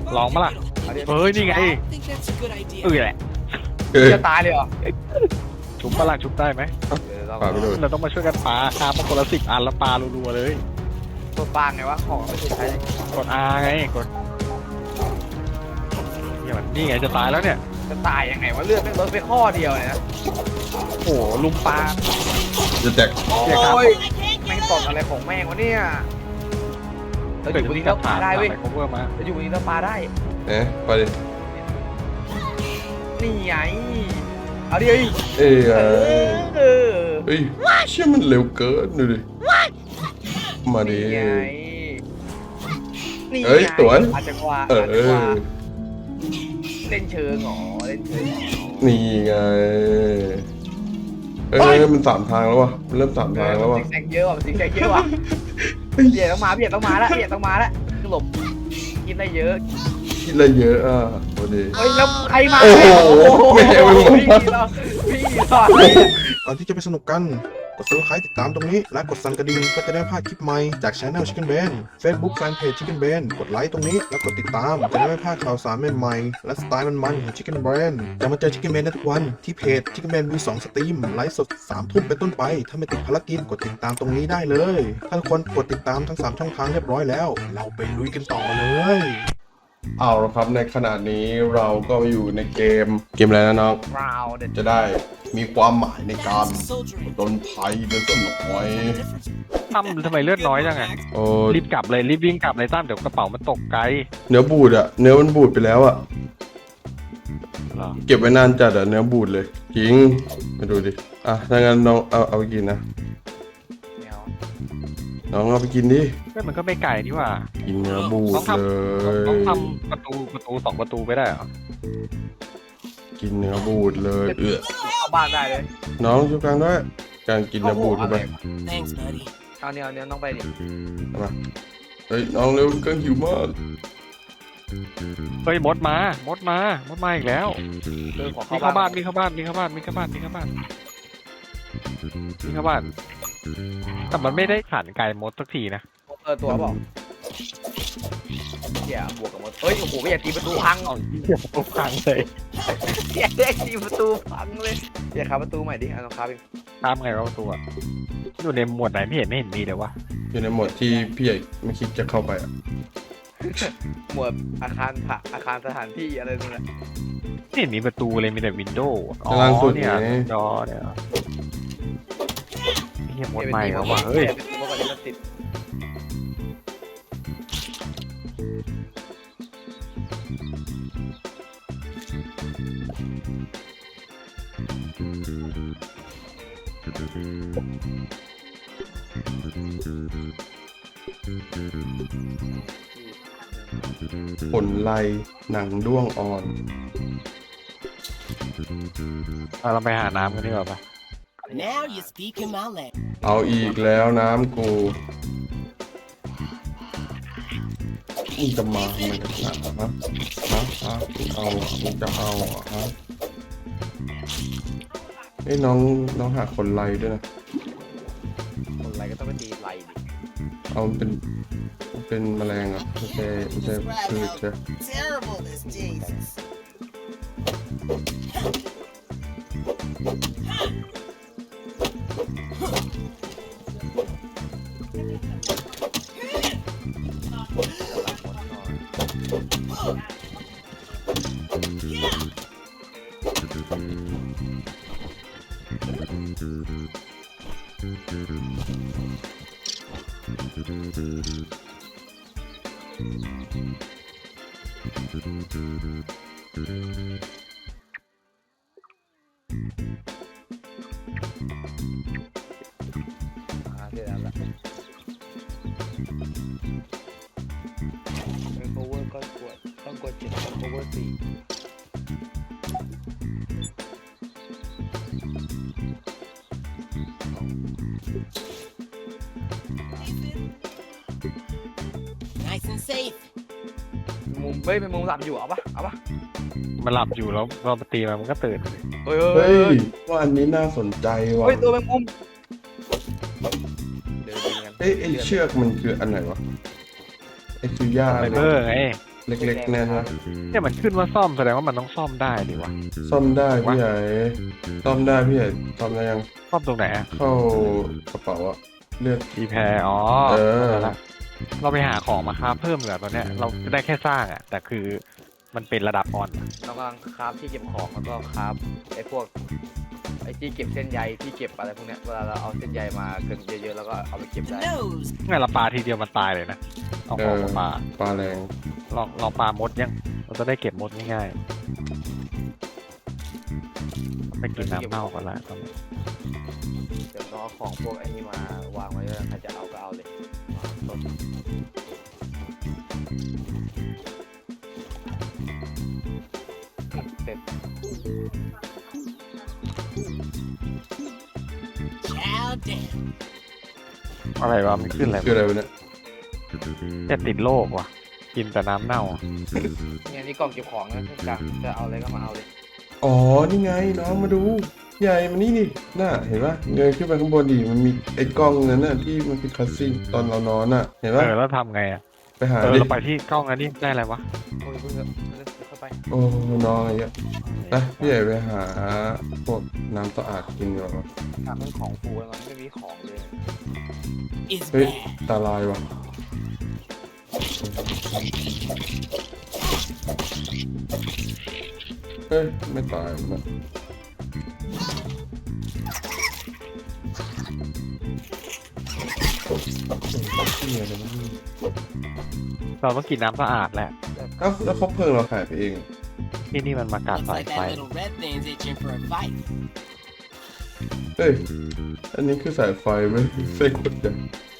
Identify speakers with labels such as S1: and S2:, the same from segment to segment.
S1: ลองมาล่ะเฮ้ยนี่ไงแหละ
S2: จะตายเลยเหรอ
S1: ชุบมาล่ะชุบได้ไหม
S3: ปาไปเลย
S1: เราต้องมาช่วยกันปาคามาคนละ10 อันแล้วปารัวๆเลย
S2: ตัวปางไงวะของไม่เคยใช้เลย
S1: กด R ไงกดนี่ไงจะตายแล้วเนี่ย
S2: จะตายยังไงวะเลือดไม่ลดไปข้อเดียวเลยนะ
S1: โอ้ลุมปลา
S3: จะแตก
S2: โอ้ยแม่งตดอะไรของแม่งวะเนี่ยเราอยู่บนนี้แล้วปลาได้เว้ย
S1: คอเวอร์มา
S2: เราอยู่บนนี้แล้วปลาได้
S3: เนี่ยไปดิ
S2: นี่ไงเอาดิเอ้ย
S3: เอ้ย
S2: เออ
S3: เฮ้ยเชื่อมันเร็วเกินดูดิมาดิ
S2: นี่ไงนี่
S3: เอ้ยสวน
S2: อาจจะกว่า
S3: เอ
S2: อาจจะกว่า
S3: อ
S2: เล่นเชิงหรอเล่นเชิงหรอ
S3: นี่ไงมัน3 ทางแล้ววะมันเริ่ม3 ทางแล้ววะ
S2: ซิกแซกเยอะว่ะซิกแซกเยอะว่ะเบียดต้องมาเบียดต้องมาแล้วเบียดต้องมาแล้วคือหลบกินได้เยอะ
S3: คิดอะไรเยอะอ่ะพอดี
S2: เฮ้ยแล้วใครมา
S3: โอ้โหไม่เอาไม่เอา
S2: พี่เราพี่
S4: ก่อนที่จะไปสนุกกัน กด subscribe ติดตามตรงนี้ และกดสั่นกระดิ่งเพื่อจะได้ไม่พลาดคลิปใหม่จาก Channel Chicken Ben Facebook Fanpage Chicken Ben กดไลค์ตรงนี้แล้วกดติดตามจะได้ไม่พลาดข่าวสารใหม่ๆและสไตล์มันๆของ Chicken Ben จะมาเจอ Chicken Ben ได้ทุกวันที่เพจ Chicken Ben มี2 สตรีมไลฟ์สด 3 ทุ่มเป็นต้นไป ถ้าไม่ติดภารกิจกดติดตามตรงนี้ได้เลย ถ้าทุกคนกดติดตามทั้ง 3 ช่องทางเรียบร้อยแล้ว เราไปลุยกันต่อเลย
S3: เอาละครับในขณะนี้เราก็อยู่ในเกมอะไรนะน้อง
S2: ราวเด็ด
S3: จะได้มีความหมายในการโดนภัยเดินต้นหน่อย
S1: ตั้มทำไมเลือดน้อยจังไง
S3: โอ้
S1: รีบกลับเลยรีบวิ่งกลับเลยตั้มเดี๋ยวกระเป๋ามันตกไกล
S3: เนื้อบูดอะเนื้อมันบูดไปแล้วอะ
S1: เหรอ
S3: เก็บไว้นานจัดอะเนื้อบูดเลยจริงมาดูดิอ่ะถ้างั้นน้องเอาไปกินนะ
S2: เนียว
S3: น้องเอาไปกินดิ
S1: เฮ้ยมันก็ไม่ไกลนี่หว่า
S3: กินเนื้อบูด
S1: ต้องท
S3: เลย
S1: ต้องทำประตู2 ประตูไปได้เหรอ
S3: กินเนื้อบูดเลย
S2: เข้าบ้านได้เลย
S3: น้องช่วยกลางด้วยการกินเนื้อบูดเข้าไป
S5: Thanks, buddy.
S2: เอาเนี่ยต้องไปดิ
S3: มาเฮ้ยน้องเร็วกลางหิวมาก
S1: เฮ้ยมดมามดมาอีกแล้ว
S2: ขอ
S1: มีเข้าบ้านมีเข้าบ้านแต่มันไม่ได้ขันไก่มดสักทีนะ
S2: ตัวบอกเดี๋ยวบวกกับมดเฮ้ยโอ้โหไม่อยากตีประตูพัง
S1: เอาเหี้ยปุ๊บพังเลย
S2: อยากได้ตีประตูพังเลยอยากขับประตูใหม่ดิเอาต้องขับเอง
S1: ตามไงวะประตูอะอยู่ในหมวดไหนไม่เห็นมีเลยวะ
S3: อยู่ในโหมดที่พี่ใหญ่ไม่คิดจะเข้าไปอะ
S2: หมวดอาคารผักอาคารสถานที่อะไรนั่นแหละ
S1: ไม่เห็นมีประตูเลยมีแต่วินโดว์อ๋อ
S3: ล่างสุด
S1: เนี่ย
S3: นี่
S1: จอเนี่ยเฮียหมดใหม่แล้วว่ะเฮ้ย
S2: เป็นตัวก่อนที่มันติด
S3: ผลไลหนังด้วงอ่อน
S1: เราไปหาน้ำกันดีกว่าปะ
S5: Now you're speaking my language.
S3: เอาอีกแล้วน้ำกูมึงจะมาทำไมกันนะฮะมึงเอาอ่ะมึงจะเอาอ่ะฮะไอ้ยน้องหาคนไลด้วยนะ
S2: คนไรก็ต้องไปตีไรดิ
S3: เอาเป็นแมลงอ่ะไม่ใช่พืชใช่
S5: Terrible, this Jesus.
S2: เสร็จแล้วละเป็น cover ก็ต้องกด7ต้อง cover 4
S5: Nice and safe.
S2: มุมเฮ้ยเป็นมุมหลับอยู่เอาปะ
S1: มันหลับอยู่แล้วเราไปตีมันก็ตื่น
S2: เฮ้ย
S3: เฮ้ยว่าอันนี้น่าสนใจว่ะ
S2: เฮ้ยตัวเป็นมุมเดินกัน
S3: เอ้ยไอ้เชือกมันคืออันไหนวะไอ้คือย่า
S1: ไฟเบอร์ไง
S3: เล็กๆเนี่ยนะ
S1: เนี่ยมันขึ้นว่าซ่อมแสดงว่ามันต้องซ่อมได้ดิวะ
S3: ซ่อมได้พี่ใหญ่ซ่อมได้พี่ใหญ่ซ่อมได้ยัง
S1: ซ่อมตรงไหนอะ
S3: เข้ากระเป๋าอะเลือด
S1: รีแพร์อ๋อ
S3: เออ
S1: เข้าใจละเราไปหาของมาคราฟเพิ่มเหรอตอนเนี้ยเราได้แค่สร้างอะแต่คือมันเป็นระดับอ่อน
S2: เรากำลังคราฟที่เก็บของแล้วก็คราฟไอ้พวกไอ้ที่เก็บเส้นใยที่เก็บอะไรพวกเนี้ยเวลาเราเอาเส้นใยมาเกินเยอะๆแล้วก็เอาไปเก็บได้
S5: Nose.
S1: ไงเราปลาทีเดียวมันตายเลยนะเอาของมาปลา
S3: ปลาแรง
S1: ลองปลามดยังเราจะได้เก็บมดง่ายๆไปกินน้ำเน่าก่อนละตอนนี้
S2: เดี๋ยวเราเอาของพวกไอ้นี่มาวางไว้แล้วใครจะเอาก็เอาเลยต้นเสร็จ
S5: Chow down.
S1: อะไรวะมันขึ้นอะไร
S3: คืออะไรวะเนี่ย
S1: แต่ติดโรคว่ะกินแต่น้ำเน่าอะ
S2: เนี่ยนี่กล่องเก็บของนะทุกอย่างจะเอาอะไรก็มาเอาเลย
S3: อ๋อนี่ไงน้องมาดูใหญ่มันนี่น่ะเห็นปะเงยขึ้นไปข้างบนดิมันมีไอ้กล้องนั้นน่ะที่มันเป็นคัสซีนตอนเรานอนน่ะเห็นปะ
S1: แล้วทำไงอ่ะ
S3: ไปหา
S1: เรา
S3: ดิ
S1: ไปที่กล้องอันนี้ได้อะไรวะ
S2: โอ้ยเพิ่งเข้าไป
S3: โอ้น้องอะไรเงี้ยไปพี่ใหญ่ไปหาพวกน้ำสะอาดกินดีกว่า
S2: ถามเรื่องของฟูแล้วมันไม่มีของเลย
S5: Is
S3: เฮ้ย
S5: bad.
S3: ตาลายว่ะเฮ้ยไม่ตายมันเหี้ยอะไรวะเนี่ย
S1: เราต้องกินน้ำสะอาดแหละ
S3: เอ้าแล้วคบเพลิงเราหายไปเอง
S1: ที่นี่มันมากัด
S5: Looks
S1: สาย
S5: like
S1: ไฟ
S5: that little red thing's itching for a fight.
S3: เฮ้ย อันนี้คือสายไฟไหมเส้นขดใหญ่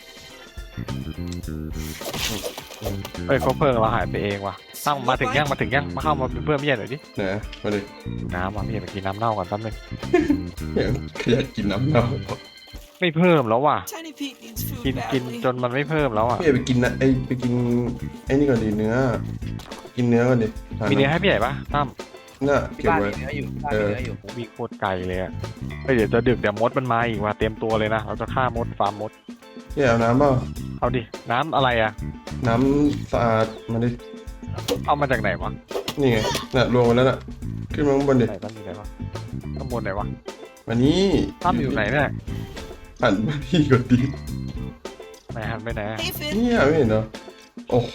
S1: เอ้ยเขาเพลิงเราหายไปเองว่ะตั้งมาถึงยังมาเข้ามาเป็นเพื่อนพี่ใหญ่หน่อยดิ
S3: ไหนมาดิ
S1: น้ำว่ะพี่ใหญ่ไปกินน้ำเน่าก่อนแป๊บนึง
S3: อย่างอยากกินน้ำเน่า
S1: ไม่เพิ่มแล้วว่ะ
S5: Tiny Pete needs food
S1: กินจนมันไม่เพิ่มแล้วอ่ะ
S3: พี่อยากไปกินนะไปกินไอ้นี่ก่อนดิเนื้อ กินเนื้อก่อนดิหา
S1: มีเนื้อให้พี่ใหญ่ปะตั้ม
S3: น่ะ
S2: ที่
S3: เก็บ
S2: บ้าน
S3: ไว้
S2: มีเนื้ออยู่ที่บ้านมีเนื้ออยู่
S1: วิ่งโคตรไกลเลยอะเฮ้ยเดี๋ยวจะดึกเดี๋ยวมดมันมาอีกว่ะเตรียมตัวเลยนะเราจะฆ่ามดฟาร์มมด
S3: พี่เอาน้ำเปล่า
S1: เอาดิน้ำอะไรอะ
S3: น้ำสะอาดมาดิ
S1: เอามาจากไหนวะ
S3: นี่ไงน่ะรวมกันแล้วน่ะ ขึ้นมาข้างบนดิ
S1: ไหนตั้มอยู่ไหนวะข้างบนไหนวะ
S3: มานี่
S1: ตั้มอยู่ไหนเนี่ย
S3: หันมาที่ก่อนดิ
S1: ไหนหันไปไหนอะ
S5: Hey, Finn.
S3: เนี่ยไม่เห็นเหรอโอ้โห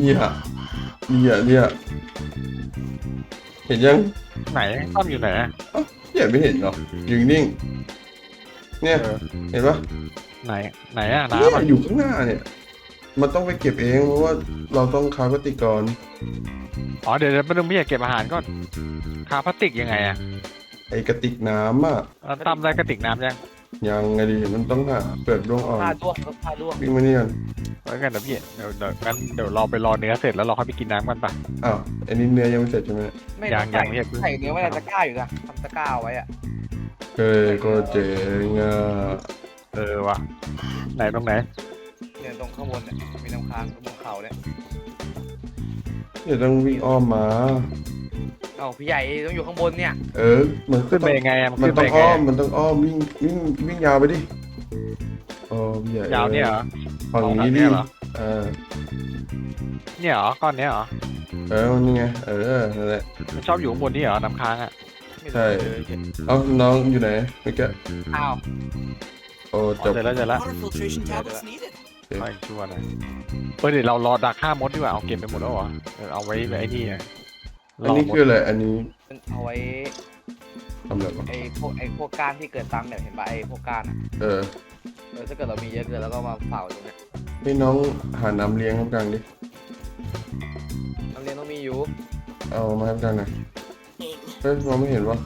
S3: เนี่ยเห็นยัง
S1: ไหนตั้มอยู่ไหนอะ
S3: พี่ไม่เห็นเหรอยืนนิ่งเนี่ย
S1: เออ
S3: เห็นปะ
S1: ไหนอะ
S3: เนี่ย
S1: น้ำอะ
S3: อยู่ข้างหน้าเนี่ย มันต้องไปเก็บเองเพราะว่าเราต้องคาร์บติกร
S1: อ๋อเดี๋ยวไปดูพี่อยากเก็บอาหารก่อนคาพลาสติกยังไงอะ
S3: ไอกระติกน้ำอ่ะ
S1: แล้วตั้มได้กระติกน้ำยัง
S3: ยังไงดีมันต้องหาเปลือกด้วงอ่อน
S2: ผ้าด้วงผ้าด้วง
S3: วิ่งมานี่กัน
S1: เอ้ยงั้นเดี๋ยวพี่งั้นเดี๋ยวเราไปรอเนื้อเสร็จแล้วเราค่อยไปกินน้ำกันปะ
S3: อ้าวอันนี้เนื้อยังไม่เสร็จใช่ไหม
S2: ไม่
S1: ยัง
S2: ใส่
S1: เรียกเพิ่ง
S2: ใส่เนื้อไว้ในตะกร้าอยู่นะทำตะกร้าเอาไว้อะ
S3: เฮ้ยก็เจ๋งอ่ะ
S1: เออว่ะไหนตรงไหน
S2: เนี่ยตรงข้างบนเนี่ยมีน้ำค้างตรงเขาเนี่ย
S3: เดี๋ยวต้องวิ่งอ้อมมา
S2: เอ้าพี่ใหญ่ต้องอยู่ข้างบนเนี่ย
S3: เออมันก็
S1: ขึ้น
S3: ต้
S1: ไป
S3: อง
S1: ยังไงอะมัน
S3: มัน
S1: ขึ้นไป
S3: ต้อง
S1: ยังไง
S3: อ้อมมันต้องอ้อมวิ่งยาวไปดิโอ้พี่ใหญ่
S1: ยาวเนี่ยเหรอ
S3: ฝั่งนี้
S1: เอา
S3: ดิ
S1: เนี่ยเหรอ
S3: เออ
S1: เนี่ยเหรอก้อนเนี้ยเหรอ
S3: นี่ไงนั่นแหละ
S1: มันชอบอยู่ข้างบนนี่เหรอน้ำค้างอะ
S2: ไม่
S3: ใช่
S2: รู้เลย
S3: เอ้าน้องอยู่ไหนเมื่อกี้
S2: อ้าว
S3: โอ้
S1: อ๋
S3: จ
S1: อบ เจอแล้ว
S5: Water filtration tablets needed.
S1: ไม่ชั่วหน่อยเดี๋ยวเรารอดักฆ่ามดดีกว่าเอาเก็บไปหมดแล้วเหรอเอาไว้ไอ้นี่อะ
S3: อันนี้คืออะไรอันนี้
S2: มันเอาไว้
S3: ทำอะไรวะ
S2: ไอ้พวกก้านที่เกิดตามเนี่ยเห็นป่ะไอ้พวกก้านอะ
S3: เออ
S2: ถ้าเกิดเรามีเยอะเกินแล้วก็มาเผาตรงเนี้ย
S3: ให้น้องหาน้ำเลี้ยงข้างกลางดิ
S2: น้ำเลี้ยงต้องมีอยู่
S3: เอามาข้างกลางหน่อยเฮ้ยมองไม่เห็นวะ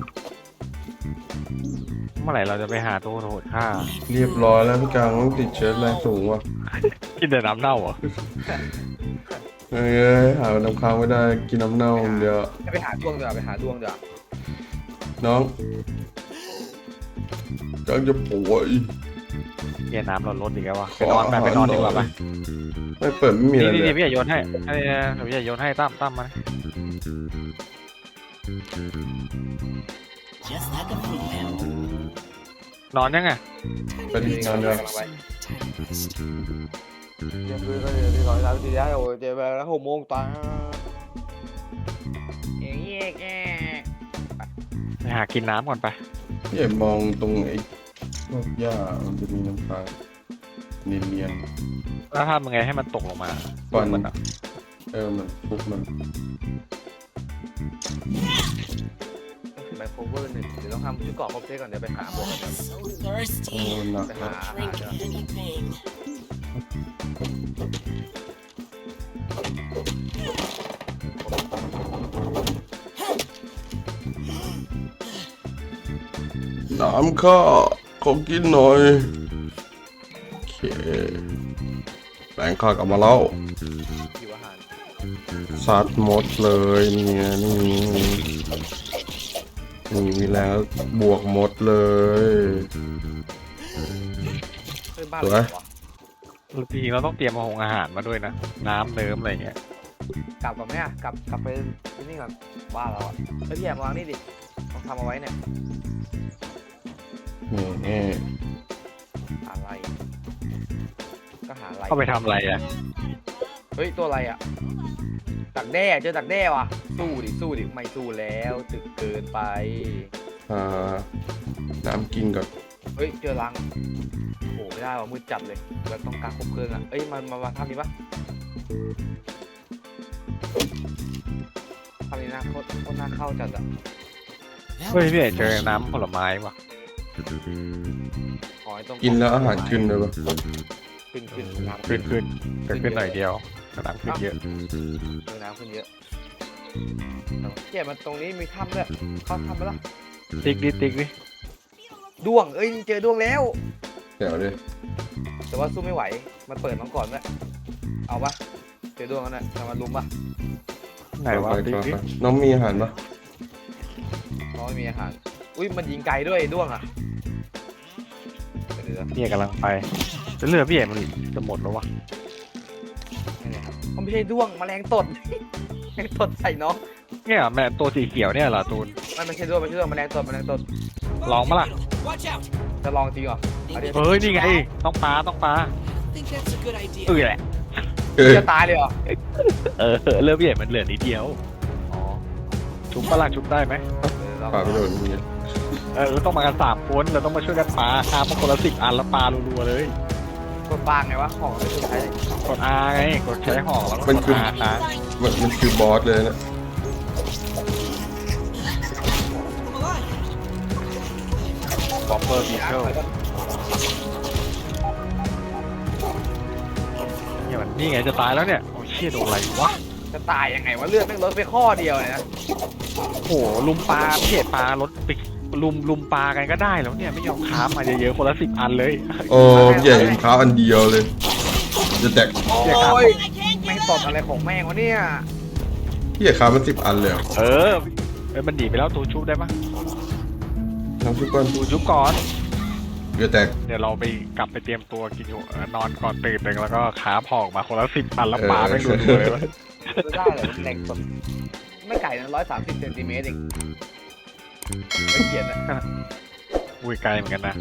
S1: เมื่อไหร่เราจะไปหาตัวโหดฆ่า
S3: เรียบร้อยแล้วพี่กลางต้องติดเชื้อแรงสูงว่ะ
S1: กินแต่น้ำเน่าเหรอ
S3: เอ้ยหาน้ำค้างไม่ได้กินน้ำเน่าอย่างเดียว
S2: ให้ไปหาด้วงเดี๋ยวไปหาด้วงเดี๋ยว
S3: น้องกำลังจะป่วย
S1: เนี่ยน้ำเราลดอีกแล้ววะไปนอนไปนอนดีกว่าไป
S3: ไม่เปิดไม่มีอะไร
S1: นี่
S3: เล
S1: นี่
S3: ย
S1: พี่ใหญ่โยนให้เดี๋ยวพี่ใหญ่โยนให้ตั้มมา
S5: Just like a fruit pound.
S1: นอนยังไง
S3: ไปดินอนเลย
S5: Tiny rest.
S2: เที่ยงคืนก็เดี๋ยวที่ร้อยสามสี่แล้วโอ้ยเจ็บไปแล้ว6 โมงตาเอ๊ะแก
S1: ไปหากินน้ำก่อนไป
S3: พี่ใหญ่มองตรงไอ้พวกหญ้ามันจะมีน้ำค้างเนียน
S1: แล้วทำยังไงให้มันตกลงมา
S3: ๆฟัน
S1: มันอ่ะ
S3: มันฟุกมัน
S2: ไมโครเวอร์1เดี๋ยวต้องทำชุดเกราะครบเซตก่อนเดี๋ยวไปหาบวกกันเดี๋ยว
S5: So
S3: โอ้
S5: thirsty.
S3: หนัก
S2: ไป
S3: ครั
S2: หา
S3: บ
S5: Drink anything.
S3: น้ำข้าขอกินหน่อยโอเคแปลงข้ากลับมาแล้ว
S2: หิวอาหาร
S3: ซัดหมดเลยเนี่ยนี่มีแรงแล้วบวกหมดเลย
S2: เพื่อนบ้าน
S3: สวย
S2: เหรอวะ
S1: จริงๆเราต้องเตรียมอาหารมาด้วยนะ น้ำเนิ้มอะไรเงี้ย
S2: กลับก่อนไหมอ่ะกลับไปที่นี่ก่อนบ้านเราอ่ะเฮ้ยพี่แอมวางนี่ดิต้องทำเอาไว้เนี่ย
S3: นี่
S2: อะไรก็หาอะไร
S1: เข้าไปทำอะไรอ่ะ
S2: เฮ้ยตัวอะไรอ่ะดักแด้เจอดักแด้ว่ะสู้ดิไม่สู้แล้วตึกเกินไป
S3: น้ำกินก่อน
S2: เฮ้ยเจอรังโอ้โหไม่ได้ว่ะมืดจัดเลยเราต้องการครบเพลิงอ่ะเอ้ยมาทำนี้ปะทำนี้นะโคตรน่าเข้าจัดอ่ะ
S1: เฮ้ยพี่เอกเจอน้ำผลไม้ว่ะ
S2: ขอให้ตรง
S3: กินแล้วอาหารขึ้นเลยปะ
S2: ขึ้นน้ำ
S1: ขึ้นแต่ขึ้นหน่อยเดียวแต่น้ำขึ้นเยอะ
S2: น้ำขึ้นเยอะเจ็บมันตรงนี้มีถ้ำด้วยเข้าถ้ำไปละ
S1: ติ๊กดิ
S2: ด้วงเอ้ยเจอด้วงแล้ว
S3: เดี๋ยวดิ
S2: แต่ว่าสู้ไม่ไหวมันเปิดมาก่อนด้วยเอาปะเจอด้วงแล้วเนี่ยจะมาลุมปะ
S1: ไหนวะติ๊กดิ
S3: น้องมีอาหารปะ
S2: เพราะไม่มีอาหารอุ้ยมันยิงไกลด้วยด้วงอ่ะเดี๋ยว
S1: พี่เอกกำลังไปจะเลือดพี่เอกมันจะหมดแล้ววะ
S2: นี่ครับมันไม่ใช่ด้วงแมลงตด แมลงตดใส่น้อง
S1: เนี่ยแม่ตัวสีเขียวเนี่ยเหรอตูน
S2: มันไม่ใช่ด้วงแมลงตด
S1: ลองมาล่ะ
S5: Watch out.
S2: จะลองจริงเหรอเอาดิ
S1: เฮ้ยนี่ไงต้องปลา
S5: I think that's a good idea.
S1: แหละ
S2: จะตายเลยเหรอ
S1: เลือดพี่เอกมันเหลือนิดเดียว
S2: อ๋อ
S1: ชุบปลาล่ะชุบได้ไหม
S3: ปลาไปโดนอย่างเงี้ย
S1: เราต้องมากัน3 คนเราต้องมาช่วยกันปลาคามาคนละ10 อันแล้วปลารัวๆเลย
S2: กดปางไงวะของไม่ใช้เลย
S1: กด R ไงกดใช้ห่อแล้วก็
S3: มัน
S1: ก
S3: คื
S1: ด
S3: อ
S1: R ค้าง
S3: มันคือบอสเลยนะ
S1: บอมเบอร์บีเทิลนี่ไงจะตายแล้วเนี่ยโอ้ยเชี่ยโดนอะไรวะ
S2: จะตายยังไงวะเลือดแม่งลดไปข้อเดียวเลยนะ
S1: โอ้โหลุมปลาพี่เอกปลารถไปลุมปลากันก็ได้แล้วเนี่ยไม่ยอมค้ามาเยอะๆคนละ10 อันเลย
S3: โอ้พี่ใหญ่เท้าอันเดียวเลย จะแตก
S2: โอ้ยแม่งตดอะไรของแม่งวะเนี่ย
S3: พี่ใหญ่ค้ามัน10 อันเลยเหรอ
S1: มันหนีไปแล้วตูชุบได้ปะ
S3: น้ำซุปก้อน
S1: ตูชุบก่อน
S3: จะแตก
S1: เดี๋ยวเราไปกลับไปเตรียมตัวกินอยู่นอนก่อนตื่นหนึ่งแล้วก็ขาพอกมาคนละ10 อันแล้วปลาไม่รัวๆเลยวะ
S2: ไม่ได้เลยแรงตดไม่ไก่นะ130 เซนติเมตรเองไม่เกียดนะ
S1: อุ้ยไกลเหมือนกันนะ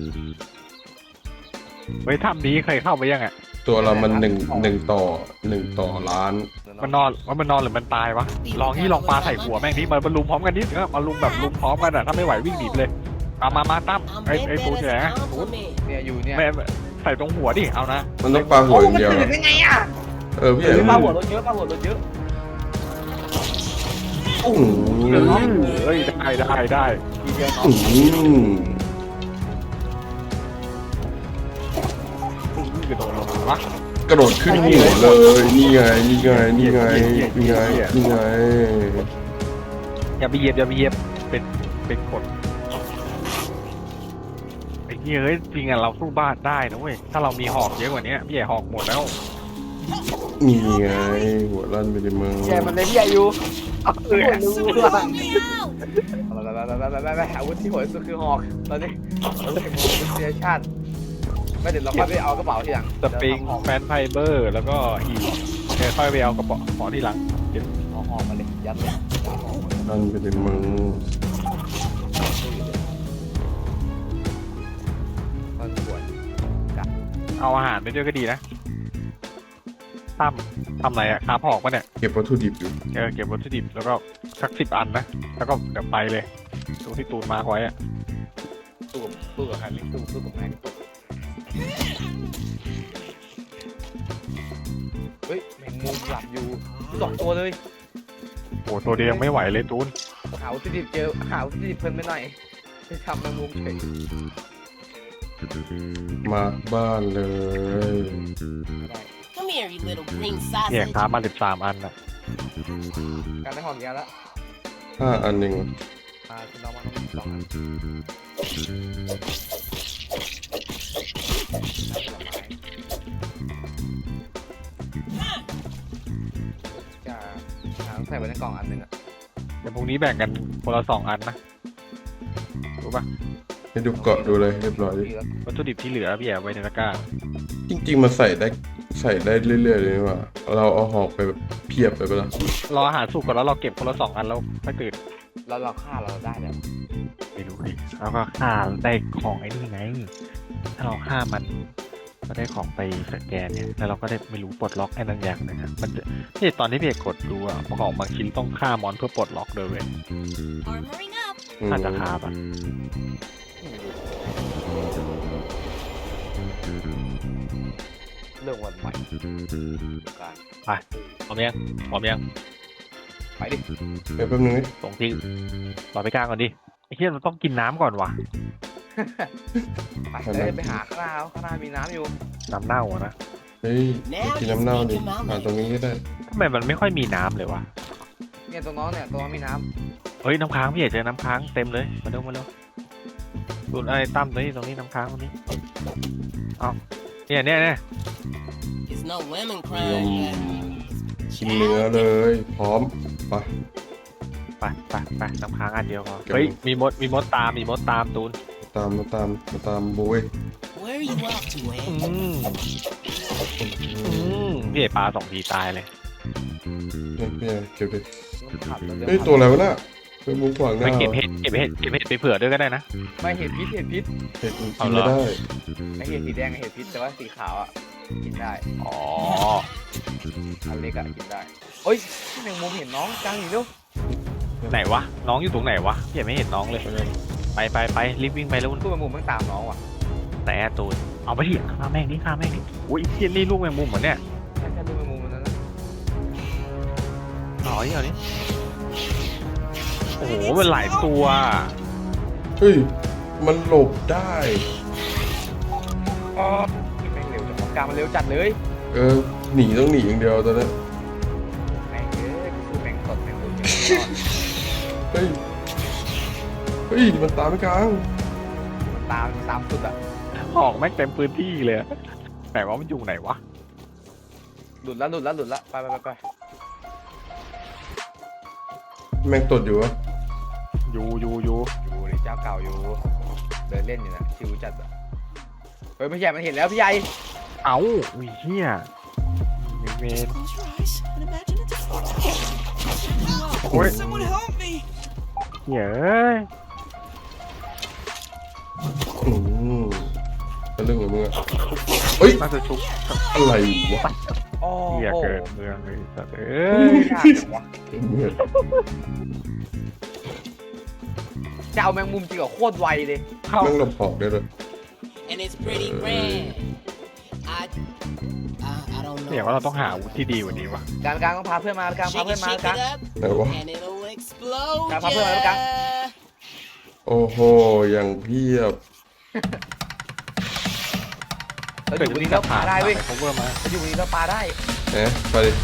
S1: เฮ้ยถ้ำนี้เคยเข้าไปยังอ่ะ
S3: ตัวเรามัน1 ต่อล้าน
S1: มันนอนหรือมันตายวะลองปลาใส่หัวแม่งนี่มันลุมพร้อมกันนิดมาลุมแบบลุมพร้อมกันอ่ะถ้าไม่ไหววิ่งหนีไปเลยมาตั้ม
S5: I'm
S1: ไอ้
S5: bent
S1: ปู
S5: as
S1: ที่ไหน
S5: a
S1: นะปู
S5: compliment.
S2: เนี่ยอยู่เนี่ย
S1: ไม่ใส่ตรงหัวดิเอานะ
S3: มันต้องปลาหัวอย่างเดียว
S2: ตื่นได้ไงอ่ะ
S3: พี่ใหญ่
S2: ปลาหัวรถเยอะปลาหัวรถเยอะ
S3: โอ้โห
S1: เฮ้ยได้
S2: ทีเดียวเนาะ
S1: กระโดดลงวะ
S3: กระโดดขึ้นหัวเลย นี่ไง
S1: อย่าไปเหยียบเป็นกฎไอ้เฮ้ยจริงอ่ะเราสู้บ้านได้นะเว้ยถ้าเรามีหอกเยอะกว่านี้พี่ใหญ่หอกหมดแล้ว
S3: นี่ไง หัวลั่นไปในเมือง
S2: แกมันเลยพี่อายุรู้
S5: Help me out.
S2: ไปอาวุธที่โหดสุดคือหอกตอนนี้เราเล่นโมเดลชั่นไม่เดี๋ยวเราค่อยไปเอากระเป๋าทีหลัง
S1: สปริงแฟนไฟเบอร์แล้วก็หีบค่อยไปเอากระเป๋าของที่หลัง
S2: เอาหอกมาเลยยัดเลย
S3: ลั่นไปในเมือง
S2: มันปวด
S1: เอาอาหารไปด้วยก็ดีนะตั้มทำอะไรอะค้าผอกปะเนี่ย
S3: เก็บวัตถุดิบอยู่
S1: เก็บวัตถุดิบแล้วก็สัก10 อันนะแล้วก็เดี๋ยวไปเลยตรงที่ตูนมาร์คไว้อะ
S2: สู้กับใครไม่สู้กับแม่งเฮ้ยแมงมุมหลับอยู่2 ตัวเลย
S1: โอ้ตัวเดียวยังไม่ไหวเลยตูน
S2: หาวัตถุดิบเจอหาวัตถุดิบเพิ่มไปหน่อยจะทำแมงมุมเฉย
S3: มาบ้านเลย
S2: ไม่ได้
S5: Come here, you little green
S1: เนี่ย
S5: sausage.
S1: ค้ามา13 อันอะ
S2: การได้หอมยาแล้ว
S3: 5 อันหนึ่ง
S2: คุณน้องมาต้อง2 อันจะต้องใส่ไว้ในกล่องอันหนึ่งอะ
S1: เดี๋ยวพรุ่งนี้แบ่งกันคนละ2 อันนะรู้ปะ
S3: ให้ดูเกาะดูเลยเรียบร้อย
S2: ดีแล้ว
S1: วัตถุดิบที่เหลือพี่แอบไว้ในตะกร้า
S3: จริงๆมันใส่ได้เรื่อยๆเลยนี่หว่าเราเอาหอกไปแบบเพียบไปปะล่ะ
S1: รออาหารสุกก่อนแล้วเราเก็บคนละ2 อันแล้วไม่ตื่น
S2: เราฆ่าเราได้แล้ว
S1: ไม่รู้ดิแล้วก็ฆ่าได้ของไอ้นี่ไงถ้าเราฆ่ามันก็ได้ของไปสแกนเนี่ยแล้วเราก็ได้ไม่รู้ปลดล็อกไอ้นั่นอย่างหนึงอะมันจะที่ตอนที่พี่เอกกดดูอะของบางชิ้นต้องฆ่ามอนเพื่อปลดล็อกเลยเว้ย
S5: Armoring up.
S1: น่าจะคาบอะ
S2: เรื่องวันใหม่การ
S1: พร้อมยัง
S2: ไปดิ
S3: เดี๋ยวแป๊บนึงนี่
S1: ส่งที่รอไปกลางก่อนดิไอ้เหี้ยมันต้องกินน้ำก่อนวะ
S2: ไปไปหาข้างหน้ามีน้ำอยู่
S1: น้ำเน่าอะนะ
S3: เฮ้ยกินน้ำเน่าดิผ่านตรงนี้ก็ได้
S1: ทำไมมันไม่ค่อยมีน้ำเลยวะ
S2: เนี่ยตัวน้องมีน้
S1: เฮ้ยน้ำค้างพี่เอกเจอน้ำค้างเต็มเลยมาเร็วดูไอ้ตั้มตรงนี้น้ำค้างตรงนี้เอาเนี่ย
S5: It's no lemon
S3: ย
S5: crime.
S3: ำกินเนื้อเลยพร้อมไป
S1: ไปน้ำค้างอันเดียวพอ
S3: เก็บ
S1: เฮ้ยมีมดตามตูน
S3: ตามบุ้ย
S5: Where are you off to,
S1: พี่เอกปลา2 ทีตายเลย
S3: เนี่ยเก็บดิ
S2: ำขับแล้ว
S3: เฮ้ยตัวอะไรวะน่ะเป็นมุมขวางห
S1: ไป
S3: น้า
S1: เก็บเห็ดไปเผื่อด้วยก็ได้นะ
S2: ไม่เห็ดพิษ
S3: เห็ดกิน
S1: เอาเหร
S3: ไม่
S1: อ
S3: ได้
S2: ไอเห็ดสีแดงกับเห็ดพิษแต่ว่าสีขาวอ่ะกินได้
S1: อ๋อ
S2: อันเล็กอ่ะกินได้เฮ้ยแมงมุมเห็นน้องกลางอีกแล้ว
S1: ไหนวะน้องอยู่ตรงไหนวะพี่เอกไม่เห็นน้องเลยไปรีบวิ่งไปแล้ว
S2: ตู้แมงมุมมันตามน้องว่ะ
S1: แต่ตูนเอาไปที่ฆ่าแม่งดิอุ้ยเทียนนี่ลูกแมงมุมเหมือนเนี่ย
S2: แค่ตู้แมงมุมมันนั้นนะ
S1: เอาดิโอ้โหมันหลายตัว
S3: เฮ้ยมันหลบได้
S2: อ๋อแม่งเร็วจังกลางมันเร็วจัดเลย
S3: หนีต้องหนีอย่างเดียวตอนนั้น
S2: แม่งเยอะสู้แม่งสดแม่งดู
S3: เฮ้ยมันตามไปกลาง
S2: ตามสุดอ่ะ
S1: หอกแม่งเต็มพื้นที่เลยแต่ว่ามันอยู่ไหนวะ
S2: หลุดละไป
S3: แม่งตดอยู่วะ
S1: อยู่
S2: อยู่ดิเจ้าเก่าอยู่เดินเล่นอยู่นะชิวจัดอ่ะเฮ้ยไม่ใช่มันเห็นแล้วพี่ใหญ่
S1: เอ้าอุ้ยเฮียเมน
S5: Close your eyes and imagine it's a fortune.
S1: Oi.
S5: Someone help me.
S1: เฮียเอ้ย
S3: เป็นเรื่องของมึงอะเฮ้ย
S1: น่าจะชุบ
S3: อะไรวะ
S2: โอ้
S1: เฮีย
S2: โห
S1: เกิดเมืองเลยสัตว์เอ้
S2: เฮ้
S1: ย
S2: ยยากจังวะจะเอาแมงมุมจริงเหรอโคตรไวเลย
S1: เข้า
S3: แม่งหลบหอกได้เลย
S5: And it's pretty red. I don't know.
S1: เนี่ยว่าเราต้องหาอาวุธที่ดีกว่านี้วะ
S2: กลางต้องพาเพื่อนมากลางพา
S5: Shake
S2: เพื่อน
S5: it,
S2: มา
S5: shake
S2: กลาง
S5: it up,
S3: ไหนวะ
S5: and it'll explode.
S2: Kang papa, ano kang?
S5: ya.
S3: โอ้โหอย่างเพียบ
S2: เราอยู่บนนี้แล้วปาได้เว้ย
S1: เขาเวอร์มา
S2: เราอยู่บนนี้แล้วปาได้
S3: ไปดิ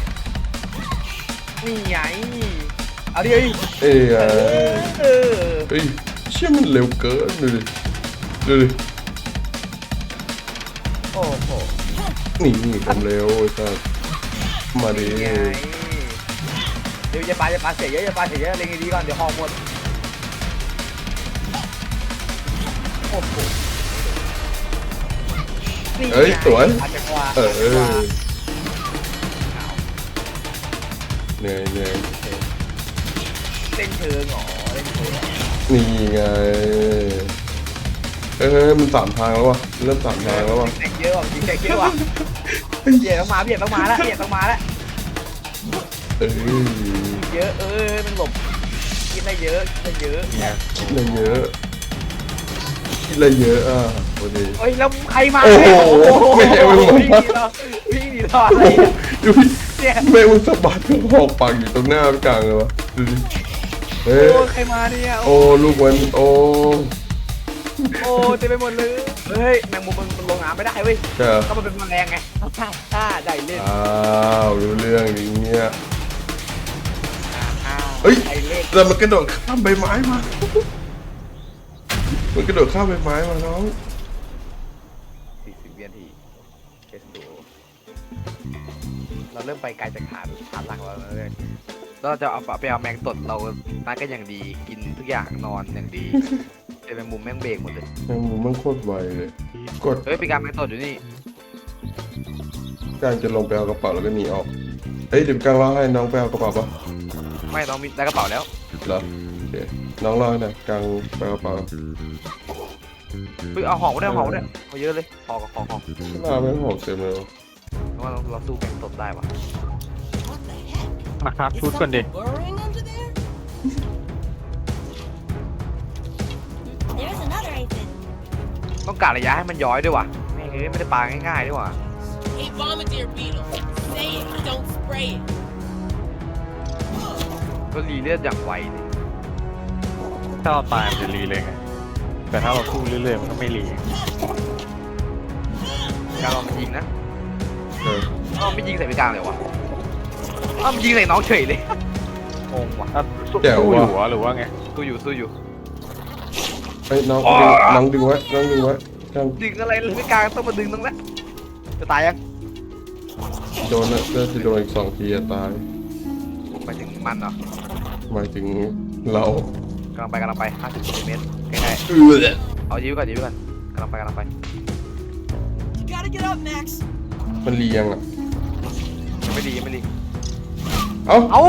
S2: นี่ไงเอาดิเอ้ย
S3: เอ้ย
S2: เออ
S3: เฮ้ยเชี่ยมันเร็วเกินดูดิ
S2: โอ้โห
S3: นี่ผมเร็วไอ้สัสมาดิ
S2: นี่ไงเดี๋ยวอย่าปาเสียเยอะเล็งดีๆก่อนเดี๋ยวหอมหมดโอ้โหนี่ไง
S3: เฮ้ยสวย
S2: อาจจะกว่า
S3: เหนื่อย
S2: เล่นเชิงเหรอเล่นเชิง
S3: นี่ไงมัน3 ทางแล้ววะเริ่ม3 ทางแล้ววะ
S2: แตกเยอะว่ะจริงแตกเยอะว่ะเดี๋ยวต้องมาพี่เดี๋ยวต้องมาแล้วเดี๋ยวต้องมาแล้ว
S3: เออ
S2: เยอะมันหลบกินได้เยอะกินได้เยอะ
S1: เนี่ย
S3: คิดอะไรเยอะคิดอะไรเยอะอ่ะพอดี
S2: เฮ้ยแล้วใครมา
S3: โอ้โห
S2: เนี่ย
S3: แม่มึง
S2: วิ่งหนีเราวิ่งหนีเราอะไรอะ
S3: ดูดิ
S2: เนี่ย
S3: แม่มึงสะบัดหอกปากอยู่ตรงหน้าพี่กลางเลยวะดูดิเฮ้
S2: โอ้
S3: ย
S2: ใครมาเนี่ย
S3: โอ้ลูกมันโอ้
S2: โอ้เต็มไปหมดเลยเฮ้ยแมงมุมมันลงน้ำไม่ได้เว้ย
S3: ใช่เหรอ
S2: ก็มันเป็นแมลงไงได้เล่น
S3: อ้าวรู้เรื่องอย่างเงี้ย
S2: อ้าว
S3: เฮ้ย
S2: ได้เล่น
S3: แต่มันกระโดดข้ามใบไม้มา มันกระโดดข้ามใบไม้มาน้อง
S2: 40 วินาทีเอสโดเราเริ่มไปไกลจากฐานหลักเราแล้วเลยเราจะเอาไปเอาแมงตดเรานัดกันอย่างดีกินทุกอย่างนอนอย่างดีแต่แมงมุมแม่งเบรกหมดเลย
S3: แมงมุมมันโคตรไวเลย กด
S2: เฮ้ยปีการแมงตดอยู่นี่
S3: การจะลงไปเอากระเป๋าแล้วก็หนีออก เฮ้ยเดี๋ยวกลางรอให้น้องไปเอากระเป๋าปะ
S2: ไม่ต้องมีได้กระเป๋าแล้ว
S3: เหรอโอเคน้องรอให้หน่อยกลางไปเอากระเป๋า
S2: เฮ้ยเอาหอกมาด้วยเอาหอกมาด้วยเอาเยอะเลยหอกกับหอก
S3: หน้าไม่หอกเต็มเลยวะ
S2: เพราะว่าเราสู้แมงตดได้ปะ
S5: What the heck?
S1: มาครับ
S5: Is
S1: ชุดก่อนดิ
S5: something burrowing under there? There's another aphid.
S2: ต้องการระยะให้มันย้อยด้วยว่ะไม่ได้ปาง่ายๆด้วยว่ะ
S6: Hey, Bombardier Beetle, say it, don't spray it.
S2: ก็รีเลือดอย่างไวเลย
S1: ถ้าเราตายมันจะรีเลยไงแต่ถ้าเราสู้เรื่อยๆมันก็ไม่รี
S2: การลองมันยิงนะ
S3: เออ
S2: อ้าวไม่ยิงใส่ปีกลางเลยวะอ้าวมันยิงใส่น้องเฉยเลยงงว่ะ
S1: อ่ะสู้อยู่เหรอหรือว่าไง
S2: สู้อยู่
S3: เฮ้ยน้องดึงไว้น้องดึงไว้กลาง
S2: ดึงอะไรเลยปีกลางต้องมาดึงตรงนั้นจะตายยัง
S3: โดนนะจะโดนอีก2 ทีอะตาย
S2: ไปถึงมันเหรอ
S3: หมายถึงเรา
S2: กำลังไป50 เซนติเมตรใกล้
S3: เออ
S2: ๆเอายิ้วก่อนกำลังไป
S5: You gotta get up, Max.
S3: มันเรียงอ่ะ
S2: ยังไม่ดี
S3: เอ้า
S2: เอ้า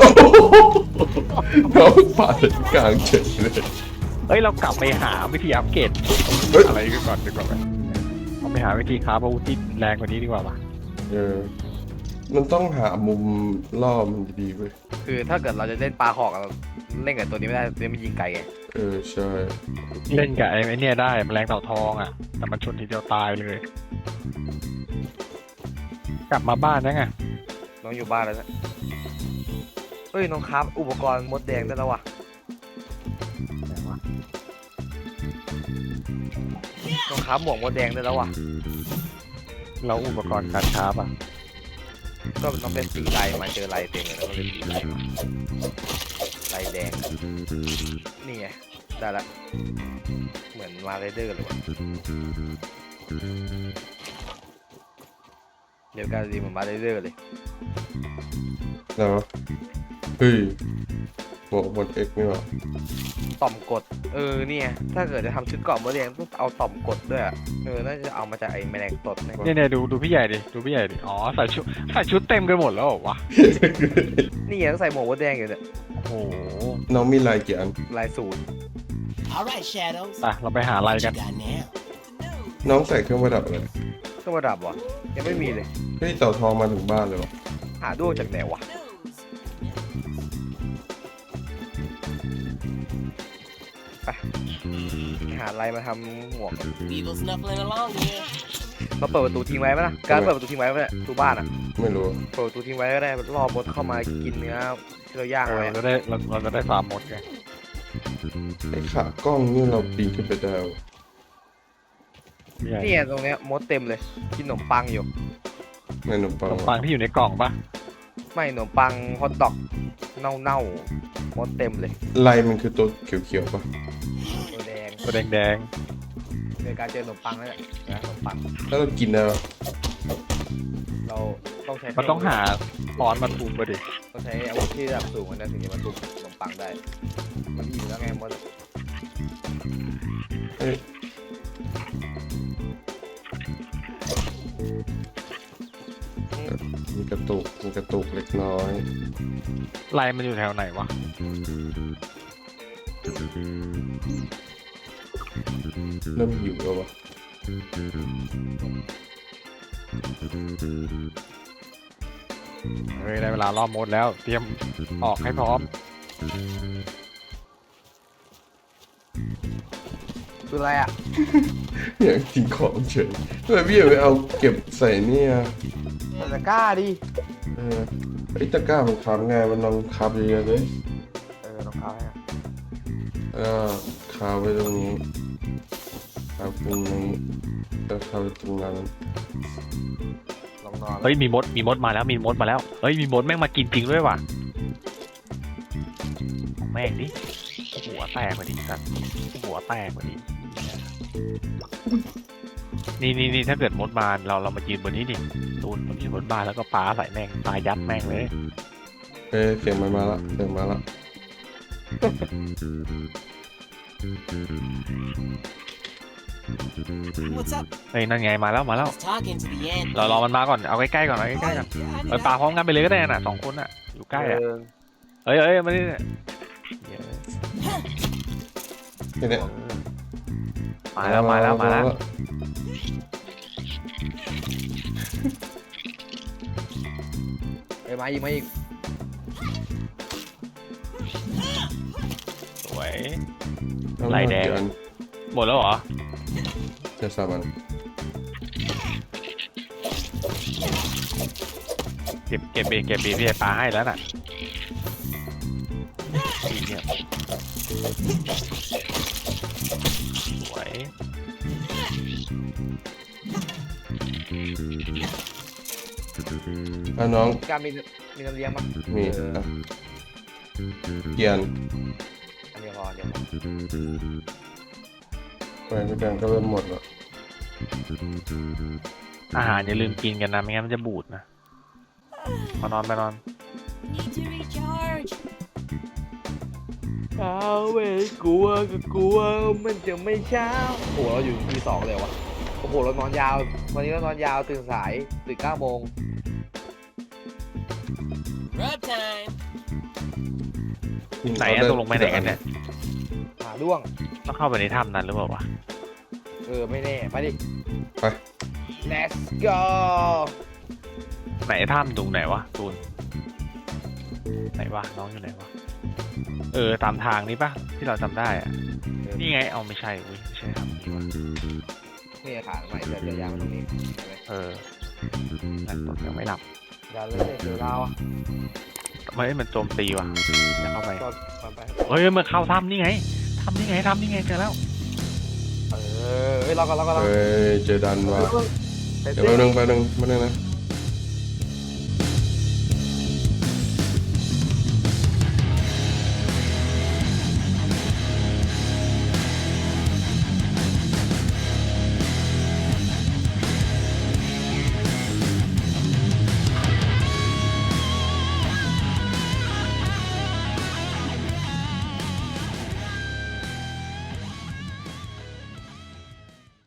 S3: น้องปาดกลางเฉยเลย
S1: เอ้ยเรากลับไปหาวิธีอัปเกรด
S3: เฮ้ย
S1: อะไรกันก่อนดีกว่าไหมเราไปหาวิธีค้าอาวุธที่แรงกว่านี้ดีกว่าปะ
S3: เออมันต้องหามุมล่อมันดีๆเว้ย
S2: คือถ้าเกิดเราจะเล่นปลาหอกเราเล่นกับตัวนี้ไม่ได้ตัวนี้มันยิงไกลไง
S3: เออใช่
S1: เล่นกับไอ้เนี่ยได้แมลงเต่าทองอ่ะ แต่มันชนทีเดียวตายเลย กลับมาบ้านนะไง
S2: น้องอยู่บ้านแล้วนะเฮ้ยน้องครับอุปกรณ์มดแดงได้แล้วว่ะ
S1: ไหนวะ
S2: น้องครับหมวกมดแดงได้แล้วว่ะ
S1: เราอุปกรณ์การค้าป่ะ
S2: ก็ต้องเป็นสีลายมาเจอลายเต็มเลยแล้วก็เป็นสีลายลายแดงนี่ไงได้ละเหมือนมาไรเดอร์เลยว่ะเดี๋ยวการดีเหมือนมาไรเดอร์เลย
S3: แล้ววะเฮ้ยหมดเอ็กนี่หว่า
S2: ต่อมกดเนี่ยถ้าเกิดจะทำชุดเกราะมดแดงต้องเอาต่อมกดด้วยอะน่าจะเอามาจากไอ้แมลงตดเนี่ย
S1: เนี่ยดูพี่ใหญ่ดิดูพี่ใหญ่ดิอ๋อใส่ชุดเต็มกันหมดแล้วเหรอวะ
S2: นี่ไงต้องใส่หมวกมดแดงอยู่เนี่ย
S1: โอ้โห
S3: น้องมีลายกี่อัน
S2: ลายสูตร
S5: All right, Shadows.
S1: ไปเราไปหาอะไร
S5: What
S1: กัน
S5: you got now?
S3: น้องใส่เครื่องประดับอะไร
S2: เครื่องประดับวะยังไม่มีเลย
S3: เฮ้ยเต่าทองมาถึงบ้านเลยวะ
S2: หาด้วงจากไหนวะ ไปหาอะไรมาทำหมวก
S5: Beetle snuffling along here.
S2: เราเปิดประตูทิ้งไว้ไหมล่ะการเปิดประตูทิ้งไว้ไหมประตูบ้านอ่ะ
S3: ไม่รู้
S2: เปิดประตูทิ้งไว้ก็ได้รอบมดเข้ามากินเนื้อที่เราย่าง
S1: เออ
S2: ไว้
S1: เราจะได้ฟาร์มมดไง
S3: ไอ้ขากล้องนี่เราปีนขึ้นไปได้วะ
S1: พี่ใหญ่
S2: เนี่ยตรงเนี้ยมดเต็มเลยกินขนมปังอยู่
S3: ในขนมปั
S1: ข
S3: ง
S1: นมปังที่อยู่ในกล่องปะ
S2: ไม่ขนมปังฮอทดอกเน่าๆมดเต็มเลย
S3: ลายมันคือตัวเขียวๆปะ
S2: ตัวแดง
S1: ตัวแดง
S2: ในการเจอขนมปังนั่นแหละนะขนมปัง
S3: แล้วเรากินได้ปะ
S2: เราต้องใช้
S1: ๆมันต้องหาปอนมาทุบไปดิ
S2: ต้องใช้อาวุธที่ระดับสูงกว่านั้นถึงจะมาทุบขนมปังได้ มันมีอยู่แล้วไงมด
S3: เฮ้ย มีกระตุกเล็กน้อย
S1: ไรมันอยู่แถวไหนวะ
S3: เริ่มหิวแล้ววะ
S1: เฮ้ยได้เวลารอบโหมดแล้ว เตรียมออกให้พร้อม
S2: คืออะไรอ่ะ
S3: อยากทิ้งของเฉยทำไมพี่อยากไปเอาเก็บใส่เนี่ย
S2: มันจะกล้าดิ
S3: ไอ้ตะกร้ามันคับไงมันลองคับเยอะๆเลย
S2: รองเท้าให้
S3: คาไว้ตรงนี้คาตรงนี้แล้วคาไว้ตรงนั้น
S2: ลองนอน
S1: เฮ้ยมีมดมาแล้วมีมดมาแล้วเฮ้ยมีมดแม่งมากินจริงด้วยว่ะของแม่งดิหัวแตกพอดีสัตว์หัวแตกพอดีนี่ถ้าเกิดมดมาเรามายืนบนนี้ดิตูนมันยืนบนบ้านแล้วก็ปาใส่แม่งปายัดแม่งเลย
S3: เสียงมันมาละเสียงมาละ
S5: What's up?
S1: เฮ้ยนั่นไงมาแล้ว
S5: I was talking to the ant.
S1: เรารอมันมาก่อนเอาใกล้ๆก่อนเอาใกล้ๆก่อน
S5: I
S1: ปาพร้อมกันไปเลยก็ได้น่ะ2 คนน่ะอยู่ใกล้อ่ะเฮ้ยมาดิเนี่ย
S3: แค่เนี้ย
S1: มาแล้ว
S2: มาอีก
S1: สวย
S3: เอา
S1: ลายแดง
S3: เยวอัน
S1: หมดแล้วเหรอ
S3: จะสามัน
S1: เก็บบีพี่ปลาให้แล้วน่ะอีกเนี่ยสวย
S3: น้อง
S2: การมีน้ำเลี้ยงมั้ย
S3: มีเกียน
S2: อันเดียวพอเดี๋ยว
S3: ไปไม่ดังก็เริ่มหมดแล้ว
S1: อาหารอย่าลืมกินกันนะไม่งั้นมันจะบูดนะมานอน
S5: need to recharge.
S2: เว้ยกลัวมันจะไม่เช้าโอ้เราอยู่ที่2เลยวะโอ้โหเรานอนยาววันนี้เรานอนยาวตื่นสายตื่น9 โมง
S6: Rub time.
S1: ไหนอะตกลงไปไหนกันเนี่ย
S2: หาด้วง
S1: ต้องเข้าไปในถ้ำนั้นหรือเปล่าวะ
S2: ไม่แน่ไปดิ
S3: ไป
S2: let's go
S1: ไหนถ้ำตรงไหนวะตูนไหนวะน้องอยู่ไหนวะตามทางนี้ปะที่เราจำได้อะนี่ไงเอาไม่ใช่อุ้ยไม่ใช่ครับนี่วะ
S2: นี่ขาใหม่เดี๋ยวยาวตรงนี้
S1: นั่นตกยังไม่หลับ
S2: อย่าเลยเดี๋ยวเราอ่ะ
S1: มันโจมตีว่ะจะเข้าไป
S2: ก่อนไป
S1: เฮ้ยมันเข้าถ้ำนี่ไงถ้ำนี่ไงเจอแล้ว
S2: เราก็
S3: เจอดันว่ะ
S2: เดี๋
S3: เดี๋ยวแป๊บนึงนะ